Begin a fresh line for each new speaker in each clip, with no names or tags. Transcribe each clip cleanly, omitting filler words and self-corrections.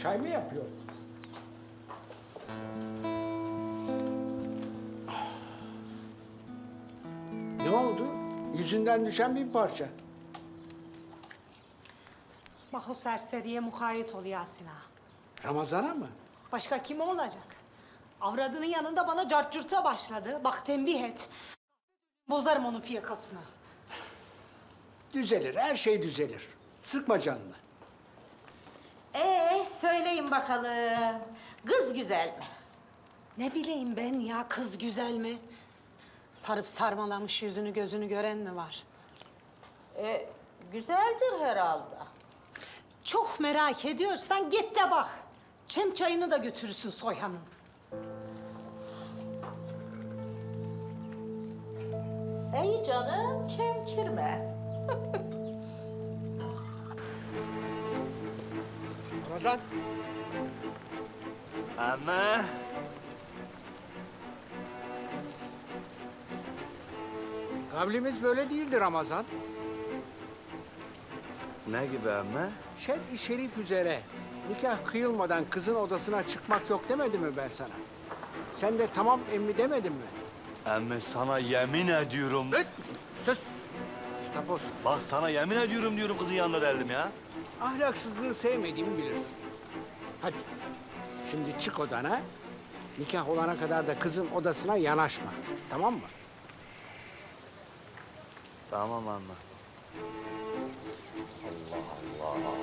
Çay mı yapıyor? Ne oldu? Yüzünden düşen bir parça.
Bak o serseriye mukayyet ol Yasin ağa.
Ramazan'a mı?
Başka kim olacak? Avradının yanında bana cartcurta başladı. Bak tembih et. Bozarım onun fiyakasını.
Düzelir, her şey düzelir. Sıkma canını.
Söyleyin bakalım. Kız güzel mi?
Ne bileyim ben ya, kız güzel mi? Sarıp sarmalamış yüzünü gözünü gören mi var?
Güzeldir herhalde.
Çok merak ediyorsan git de bak. Çem çayını da götürürsün Soyhan'ın.
İyi canım, çemkirme.
Ramazan,
Ama
kavlimiz böyle değildi Ramazan.
ne gibi ama?
Şer'i şerif üzere nikah kıyılmadan kızın odasına çıkmak yok demedim mi ben sana? Sen de tamam emmi demedin mi?
Ama sana yemin ediyorum.
Öt! Sus! Tapos,
Bak sana yemin ediyorum diyorum kızın yanına geldim ya.
ahlaksızlığı sevmediğimi bilirsin. Hadi, şimdi çık odana. Nikah olana kadar da kızın odasına yanaşma. Tamam mı?
Tamam anne. Allah Allah.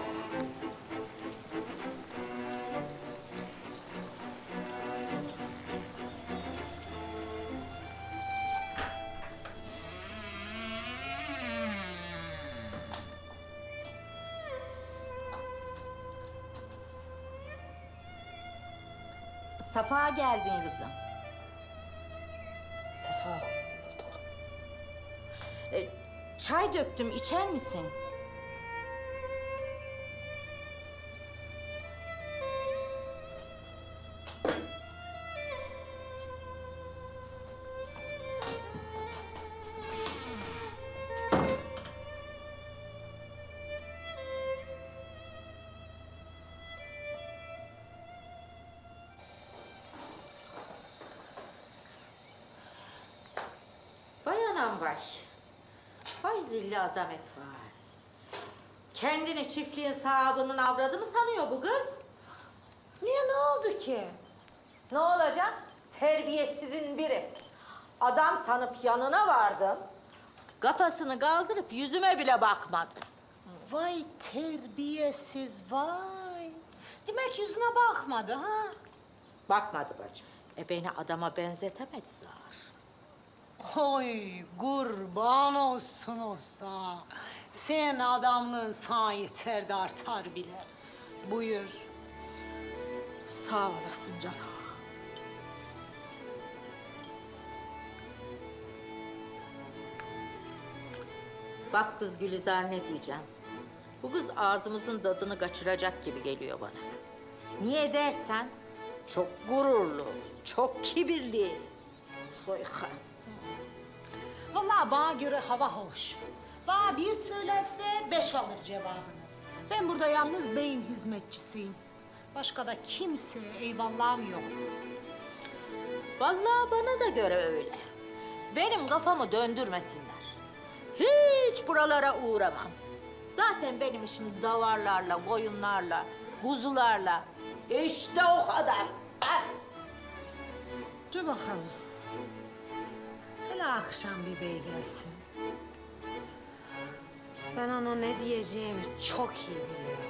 Safa geldin kızım.
Sefa.
Çay döktüm, içer misin? Vay anam vay. Vay zilli azamet vay. Kendini çiftliğin sahibinin avradı mı sanıyor bu kız?
Niye, ne oldu ki?
Ne olacak? Terbiyesizin biri. Adam sanıp yanına vardım. Kafasını kaldırıp yüzüme bile bakmadı.
Vay terbiyesiz vay. Demek yüzüne bakmadı ha?
Bakmadı bacım. Beni adama benzetemedi zar.
Oy kurban olsun olsa. Sen adamlığın sana yeter de artar bile. Buyur.
Sağ olasın canım. Bak kız Gülizar ne diyeceğim. Bu kız ağzımızın tadını kaçıracak gibi geliyor bana. Niye dersen çok gururlu, çok kibirli. Soykan.
Vallahi bana göre hava hoş. Bana bir söylerse 5 alır cevabını. Ben burada yalnız beyin hizmetçisiyim. Başka da kimse eyvallahım yok.
Vallahi bana da göre öyle. Benim kafamı döndürmesinler. Hiç buralara uğramam. Zaten benim işim davarlarla, koyunlarla, kuzularla. İşte o kadar. Ha?
Dur bakalım. Hele akşam bir bey gelsin. Ben ona ne diyeceğimi çok iyi biliyorum.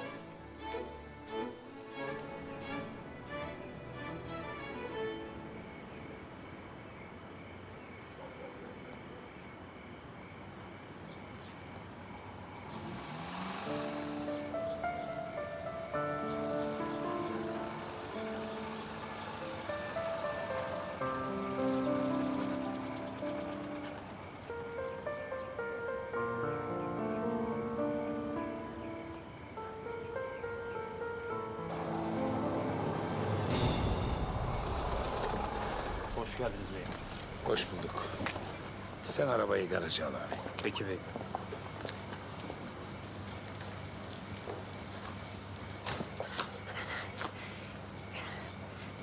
Hoş geldiniz beyim.
Hoş bulduk. Sen arabayı garaja al abi.
Peki bey.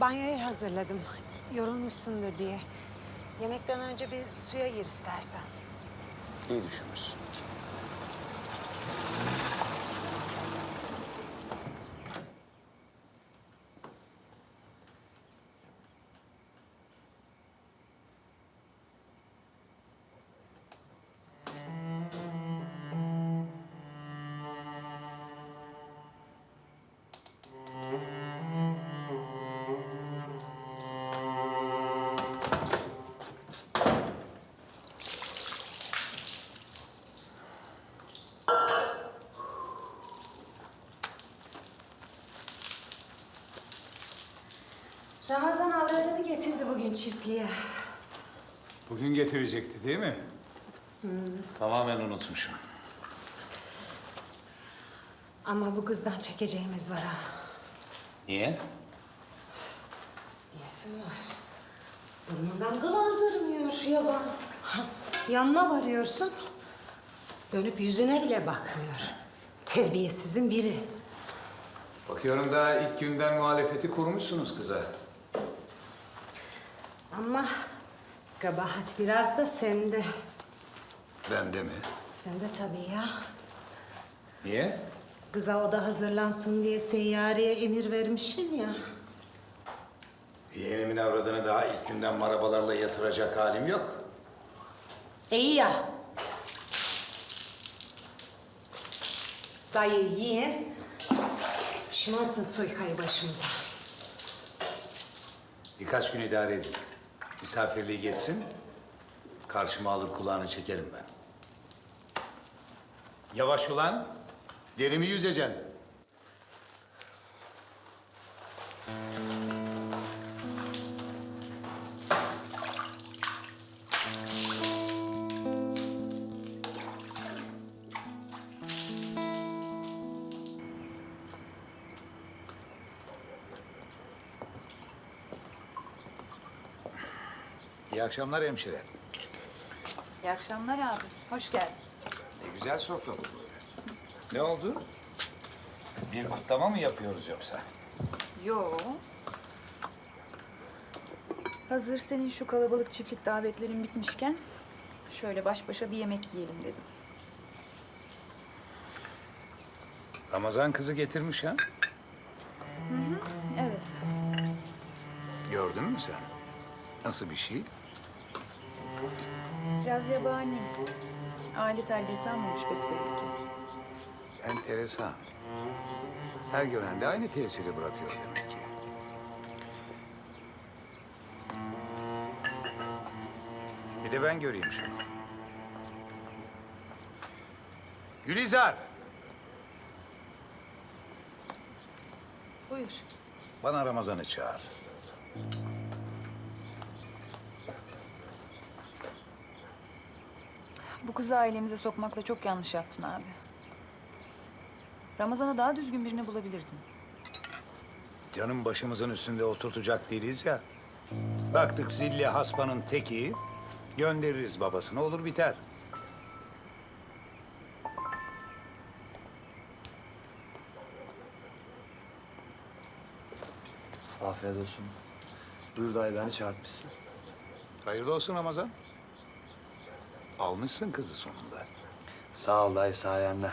banyoyu hazırladım. Yorulmuşsundur diye. Yemekten önce bir suya gir istersen.
İyi düşünmüşsün.
Ramazan avradını getirdi bugün çiftliğe.
Bugün getirecekti değil mi? Tamamen unutmuşum.
Ama bu kızdan çekeceğimiz var ha.
Niye?
Niyesi var? Burnundan kıl aldırmıyor yaban. Yanına varıyorsun, dönüp yüzüne bile bakmıyor. Terbiyesizin biri.
Bakıyorum daha ilk günden muhalefeti kurmuşsunuz kıza.
Ama kabahat biraz da sende.
Bende mi?
Sende tabii ya.
Niye?
Kıza oda hazırlansın diye seyyareye emir vermişsin ya.
Yeğenimin avradını daha ilk günden marabalarla yatıracak halim yok.
İyi ya. Dayı yiyin. Şımartın soykayı başımıza.
Birkaç gün idare edin. Misafirliği geçsin. Karşıma alır kulağını çekerim ben. Yavaş ulan. Derimi yüzeceksin. İyi akşamlar hemşire.
İyi akşamlar abi. Hoş geldin.
Ne güzel sofra bu böyle. Ne oldu? Bir kutlama mı yapıyoruz yoksa?
Yo. Hazır senin şu kalabalık çiftlik davetlerin bitmişken şöyle baş başa bir yemek yiyelim dedim.
Ramazan kızı getirmiş ha?
Evet.
Gördün mü sen? Nasıl bir şey?
Biraz yabani. Aile terbiyesi almamış besbelli ki.
Enteresan. Her gören de aynı tesiri bırakıyor demek ki. Bir de ben göreyim şunu. Gülizar!
Buyur.
Bana Ramazan'ı çağır.
Bu kızı ailemize sokmakla çok yanlış yaptın abi. Ramazan'a daha düzgün birini bulabilirdin.
Canım başımızın üstünde oturtacak değiliz ya. Baktık zilli hasbanın teki, göndeririz babasını olur biter.
Afiyet olsun. Buyur dayı beni çağırtmışsın.
Hayırlı olsun Ramazan. Almışsın kızı sonunda.
Sağ ol dayı sayende.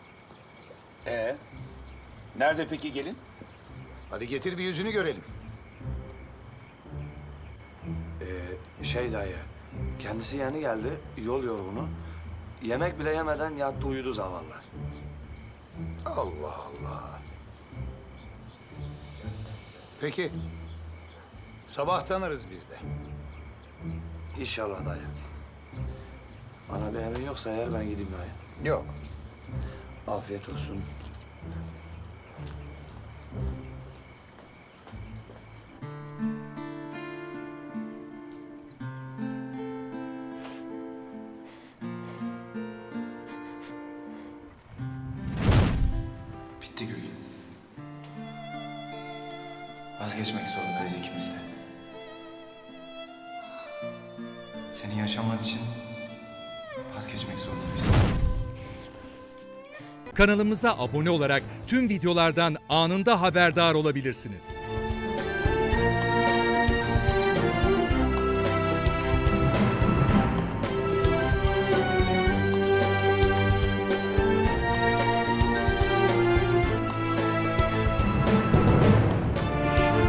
Nerede peki gelin? Hadi getir bir yüzünü görelim.
Şey dayı, kendisi yeni geldi, yol yorgunu. Yemek bile yemeden yattı uyudu zavallı.
Allah Allah. Peki. Sabah tanırız biz de.
İnşallah dayı. Bana bir emrin yoksa eğer ben gideyim dayı.
Yok.
Afiyet olsun.
Bitti Gül. Vazgeçmek zorundayız ikimiz de. Senin yaşaman için vazgeçmek zorundayız.
Kanalımıza abone olarak tüm videolardan anında haberdar olabilirsiniz.